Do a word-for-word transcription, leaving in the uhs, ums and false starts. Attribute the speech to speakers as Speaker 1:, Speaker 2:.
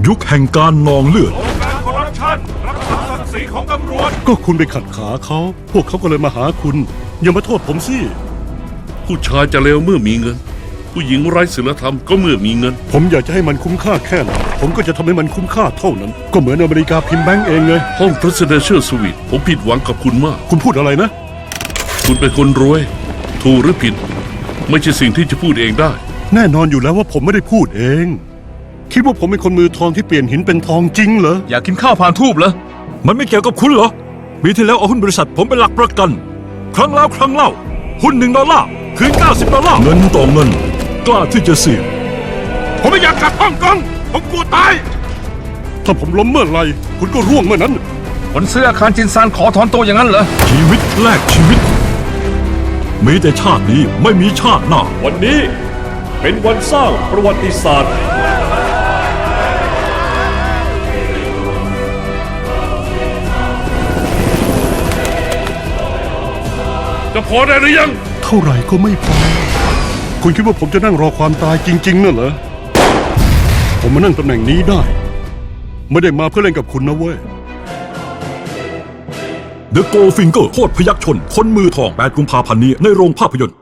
Speaker 1: ยุคแห่งการนองเลือด
Speaker 2: การคอร์รัปชันรักษาศักดิ์ศรีของตำรวจ
Speaker 3: ก็คุณไปขัดขาเขาพวกเขาก็เลยมาหาคุณอย่ามาโทษผมสิ
Speaker 4: ผู้ชายจะเลวเมื่อมีเงินผู้หญิงไร้ศีลธรรมก็เมื่อมีเงิน
Speaker 3: ผมอยากจะให้มันคุ้มค่าแค่ไหนผมก็จะทำให้มันคุ้มค่าเท่านั้นก็เหมือนอเมริกาพิมพ์แบงก์เองไง
Speaker 4: ห้อง Presidential Suite ผมผิดหวังกับคุณมาก
Speaker 3: คุณพูดอะไรนะ
Speaker 4: คุณเป็นคนรวยถูกหรือผิดไม่ใช่สิ่งที่จะพูดเองได้
Speaker 3: แน่นอนอยู่แล้วว่าผมไม่ได้พูดเองคิดว่าผมเป็นคนมือทองที่เปลี่ยนหินเป็นทองจริงเหรอ
Speaker 1: อยากกินข้าวผ่านทูบเหรอมันไม่เกี่ยวกับคุณเหรอปีที่แล้วเอาหุ้นบริษัทผมเป็นหลักประกันครั้งแล้วครั้งเล่าหุ้นหนึ่งดอลลาร์คืนเก้าสิบดอลลาร์เงินต่อเงินกล้าที่จะเสี่ยง
Speaker 2: ผมไม่อยากกลับฮ่องกงผมกลัวตาย
Speaker 3: ถ้าผมล้มเมื่อไหร่คุณก็ร่วงเมื่อนั้น
Speaker 5: คนซื้ออาคารจินซานขอถอนตัวอย่างนั้นเหรอ
Speaker 1: ชีวิตแลกชีวิตมีแต่ชาตินี้ไม่มีชาติหน้า
Speaker 2: วันนี้เป็นวันสร้างประวัติศาสตร์
Speaker 4: จะพอได้หรือยัง
Speaker 3: เท่าไหร่ก็ไม่พอคุณคิดว่าผมจะนั่งรอความตายจริงๆน่ะเหรอผมมานั่งตำแหน่งนี้ได้ไม่ได้มาเพื่อเล่นกับคุณนะเว้ย
Speaker 1: The Goldfinger โคตรพยักชนคนมือทองแปดกุมภาพันธ์นี้ในโรงภาพยนตร์